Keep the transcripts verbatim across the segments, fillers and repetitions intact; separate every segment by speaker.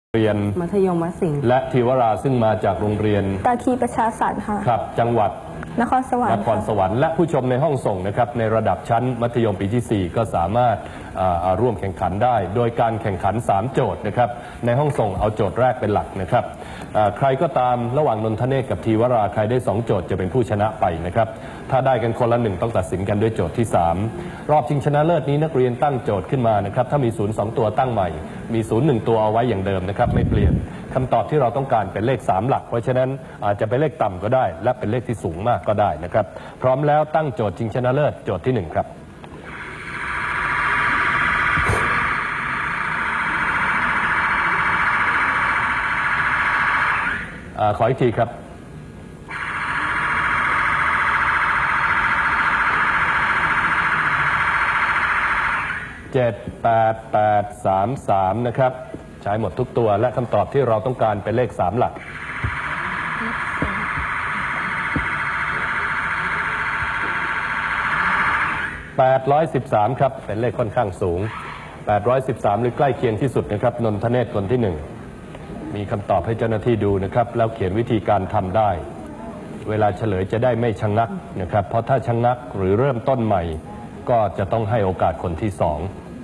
Speaker 1: เรียน
Speaker 2: มัธยมวัดสิงห์
Speaker 1: และธีวราซึ่งมาจากโรงเรียน
Speaker 3: ตาคีประชาสรรค์ค่ะ
Speaker 1: ครับจังหวัด
Speaker 3: นครสวรรค์
Speaker 1: นครสวรรค์และผู้ชมในห้องส่งนะครับในระดับชั้นมัธยมปีที่สี่ก็สามารถร่วมแข่งขันได้โดยการแข่งขันสามโจทย์นะครับในห้องส่งเอาโจทย์แรกเป็นหลักนะครับใครก็ตามระหว่างนนทเนศกับธีวราใครได้สองโจทย์จะเป็นผู้ชนะไปนะครับถ้าได้กันคนละหนึ่งต้องตัดสินกันด้วยโจทย์ที่สามรอบชิงชนะเลิศนี้นักเรียนตั้งโจทย์ขึ้นมานะครับถ้ามีศูนย์สองตัวตั้งใหม่มีศูนย์หนึ่งตัวเอาไว้อย่างเดิมนะครับไม่เปลี่ยนคำตอบที่เราต้องการเป็นเลขสามหลักเพราะฉะนั้นอาจจะเป็นเลขต่ำก็ได้และเป็นเลขที่สูงมากก็ได้นะครับพร้อมแล้วตั้งโจทย์ชิงชนะเลิศโจทย์ที่หนึ่งครับอขออีกทีครับเจ็ดแปดแปดสามสามนะครับใช้หมดทุกตัวและคำตอบที่เราต้องการเป็นเลขสามหลักแปดร้อยสิบสามครับเป็นเลขค่อนข้างสูงแปดร้อยสิบสามหรือใกล้เคียงที่สุดนะครับนนทเนศคนที่หนึ่งมีคำตอบให้เจ้าหน้าที่ดูนะครับแล้วเขียนวิธีการทำได้เวลาเฉลยจะได้ไม่ชะงักนะครับเพราะถ้าชะงักหรือเริ่มต้นใหม่ก็จะต้องให้โอกาสคนที่สอง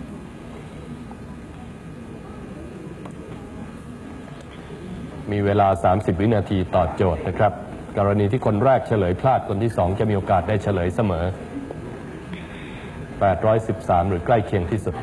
Speaker 1: มีเวลาสามสิบวินาทีต่อโจทย์นะครับกรณีที่คนแรกเฉลยพลาดคนที่สองจะมีโอกาสได้เฉลยเสมอแปดร้อยสิบสามหรือใกล้เคียงที่สุด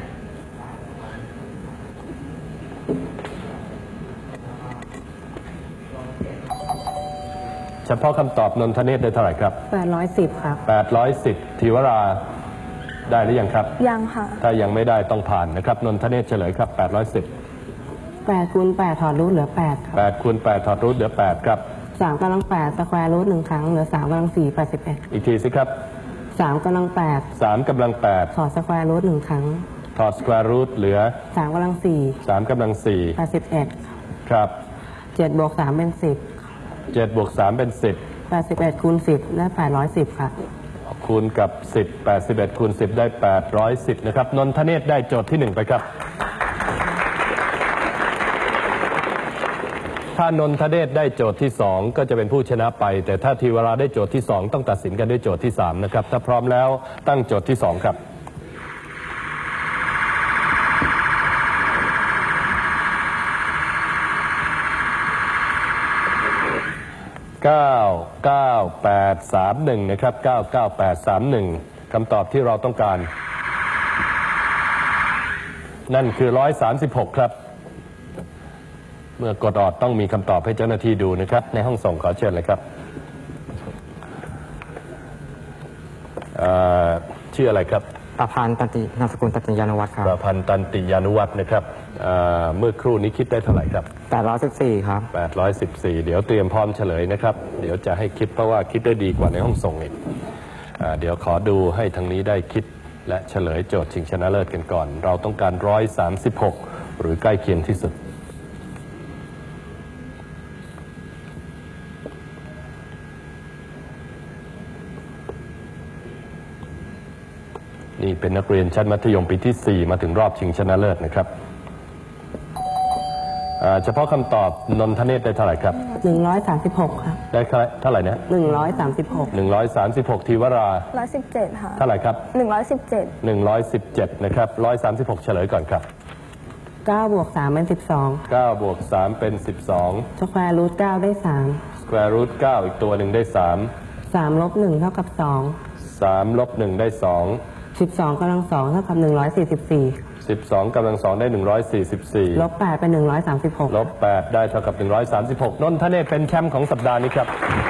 Speaker 1: เฉพาะคำตอบนนทเนศได้เท่าไหร่ครับ
Speaker 2: แปดร้อยสิบครับ
Speaker 1: แปดร้อยสิบธีวราได้หรือยังครับ
Speaker 3: ยังค่ะ
Speaker 1: ถ้ายังไม่ได้ต้องผ่านนะครับนนทเนศเฉลยครับแปดร้อยสิบ
Speaker 2: แปดคูณแปดถอดรูทเหลือแปดครับ
Speaker 1: แปดคูณแปดถอดรูทเหลือแปดครับ
Speaker 2: สามกำลังแปดสแควร์รูทหนึ่งครั้งเหลือสามกำลังสี่แปดสิบเอ็ด
Speaker 1: อีกทีสิครับ
Speaker 2: สามกำลังแปด
Speaker 1: สามกำลังแปด
Speaker 2: ถอดสแควร์รูทหนึ่งครั้ง
Speaker 1: ถอดสแควร์รูทเหลือ
Speaker 2: สามกำลังสี่
Speaker 1: สามกำลังสี่
Speaker 2: แปดสิบเอ็ด
Speaker 1: ครับ
Speaker 2: เจ็ดบวกสามเป็นสิบ
Speaker 1: เจ็ดบวกสามเป็นสิบ
Speaker 2: แปดสิบเอ็ดคูณสิบได้แปดร้อยสิบค่ะ
Speaker 1: คูณกับสิบแปดสิบเอ็ดคูณสิบได้แปดร้อยสิบนะครับนนทเนศได้โจทย์ที่หนึ่งไปครับถ้านนทเนศได้โจทย์ที่สองก็จะเป็นผู้ชนะไปแต่ถ้าธีวราได้โจทย์ที่สองต้องตัดสินกันด้วยโจทย์ที่สามนะครับถ้าพร้อมแล้วตั้งโจทย์ที่สองครับเก้า เก้า แปด สาม หนึ่งนะครับเก้า เก้า แปด สาม หนึ่งคำตอบที่เราต้องการนั่นคือหนึ่งร้อยสามสิบหกครับเมื่อกดออดต้องมีคำตอบให้เจ้าหน้าที่ดูนะครับในห้องส่งขอเชิญเลยครับชื่ออะไรครับ
Speaker 4: ประพันธ์ตันตินามสกุลตันติยานุวัฒน์ครับ
Speaker 1: ประพันธ์ตันติยานุวัฒน์นะครับเมื่อครู่นี้คิดได้เท่าไหร่ครับ
Speaker 4: แปดร้อยสิบสี่ครับ
Speaker 1: แปดร้อยสิบสี่เดี๋ยวเตรียมพร้อมเฉลยนะครับเดี๋ยวจะให้คิดเพราะว่าคิดได้ดีกว่าในห้องส่งอีกเดี๋ยวขอดูให้ทางนี้ได้คิดและเฉลยโจทย์ชิงชนะเลิศกันก่อนเราต้องการหนึ่งร้อยสามสิบหกหรือใกล้เคียงที่สุดนี่เป็นนักเรียนชั้นมัธยมปีที่สี่มาถึงรอบชิงชนะเลิศนะครับเฉพาะคำตอบนนทเนศได้เท่าไหร่ครับ
Speaker 2: หนึ่งร้อยสามสิบหกครับ
Speaker 1: ได้เท่าไหร่นะ
Speaker 2: หนึ่งร้อยสามสิบหก
Speaker 1: หนึ่งร้อยสามสิบหกธีวรา
Speaker 3: ร้อยสิบเจ็ดค่ะ
Speaker 1: เท่าไหร่ครับ
Speaker 3: หนึ่งร้อยสิบเจ็ด
Speaker 1: หนึ่งร้อยสิบเจ็ดนะครับร้อยสามสิบหกเฉลยก่อนครับ
Speaker 2: เก้าบวกสามเป็นสิบสอง
Speaker 1: เก้าบวกสามเป็นสิบสอง
Speaker 2: สแควร์รูทเก้าได้สาม
Speaker 1: สแควร์รูทเก้าอีกตัวหนึ่งได้สาม
Speaker 2: สามลบหนึ่งเท่ากับสอง
Speaker 1: สามลบหนึ่งได้สอง
Speaker 2: สิบสองกำลังสองเท่ากับหนึ่งร้อยสี่สิบสี่
Speaker 1: สิบสองกำลังสองได้หนึ่งร้อยสี่สิบสี่
Speaker 2: ลบแปดเป็นหนึ่งร้อยสามสิบหก
Speaker 1: ลบแปดได้เท่ากับหนึ่งร้อยสามสิบหกนนทเนศเป็นแชมป์ของสัปดาห์นี้ครับ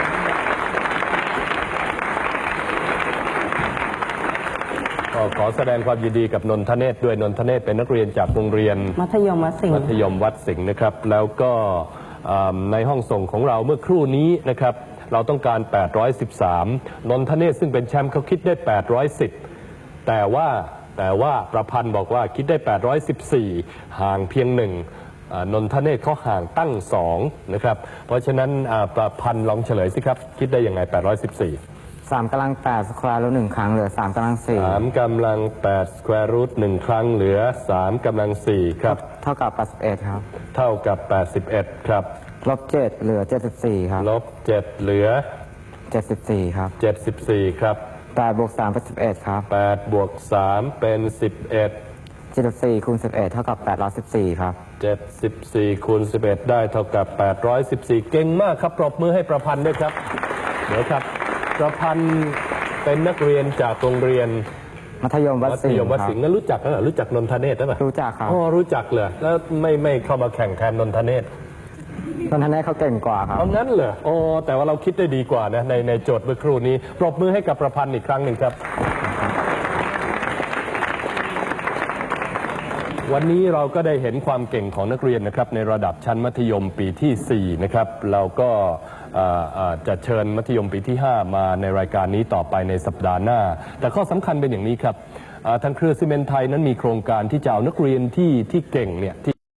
Speaker 1: ก็ขอแสดงความยินดีกับนนทเนศด้วยนนทเนศเป็นนักเรียนจากโรงเรียน
Speaker 2: มัธยมวัดสิงห์
Speaker 1: มัธยมวัดสิงห์นะครับแล้วก็ในห้องส่งของเราเมื่อครู่นี้นะครับเราต้องการแปดร้อยสิบสามนนทเนศซึ่งเป็นแชมป์เขาคิดได้แปดร้อยสิบแต่ว่าแต่ว่าประพันธ์บอกว่าคิดได้แปดร้อยสิบสี่ห่างเพียงหนึ่งนนทเนศเขาห่างตั้งสองนะครับเพราะฉะนั้นประพันธ์ลองเฉลยสิครับคิดได้ยังไงแปดร้อยสิบสี่
Speaker 4: สามกำลังแปดสแควร์รูทหนึ่งครั้งเหลือสามกำลังสี่
Speaker 1: สามกำลังแปดสแควร์รูทหนึ่งครั้งเหลือสามกำลังสี่ครับ
Speaker 4: เท่ากับแปดสิบเอ็ดครับ
Speaker 1: เท่ากับแปดสิบเอ็ดครับ
Speaker 4: ลบเจ็ดเหลือเจ็ดสิบสี่ครับ
Speaker 1: ลบเจ็ดเหลือ
Speaker 4: เจ็ดสิบสี่ครับ
Speaker 1: เจ็ดสิบสี่ครับ
Speaker 4: แปดบวกสามเป็นสิบเอ็ดครับ
Speaker 1: แปดบวกสามเป็นสิบเอ็ด
Speaker 4: เจ็ดสิบสี่คูณสิบเอ็ดเท่ากับแปดร้อยสิบสี่ครับ
Speaker 1: เจ็ดสิบสี่คูณสิบเอ็ดได้เท่ากับแปดร้อยสิบสี่เก่งมากครับปรบมือให้ประพันธ์ด้วยครับเดี๋ยวครับประพันธ์เป็นนักเรียนจากโรงเรียน
Speaker 4: มัธยมวัด
Speaker 1: มัธ
Speaker 4: สิง
Speaker 1: ยม
Speaker 4: ห์
Speaker 1: วัด
Speaker 4: ครั
Speaker 1: สิง
Speaker 4: บ
Speaker 1: ห์นั้นรู้จักแล้วเหรอรู้จักนนทเนศหรือเปล่า
Speaker 4: รู้จักครับ
Speaker 1: อ๋อรู้จักเลยแล้วไม่ไม่เข้ามาแข่งแทนนนทเนศ
Speaker 4: นนทนเขาเก่งกว่าครับ
Speaker 1: เอางั้นเหรอโอ้แต่ว่าเราคิดได้ดีกว่านะในในโจทย์เมื่อครู่นี้ปรบมือให้กับประพันธ์อีกครั้งหนึ่งครับ วันนี้เราก็ได้เห็นความเก่งของนักเรียนนะครับในระดับชั้นมัธยมปีที่สี่นะครับเราก็เอ่อเอ่อจะเชิญมัธยมปีที่ห้ามาในรายการนี้ต่อไปในสัปดาห์หน้า แต่ข้อสำคัญเป็นอย่างนี้ครับเอ่อทางเครือซีเมนต์ไทยนั้นมีโครงการที่จะเอานักเรียนที่ที่เก่งเนี่ยที่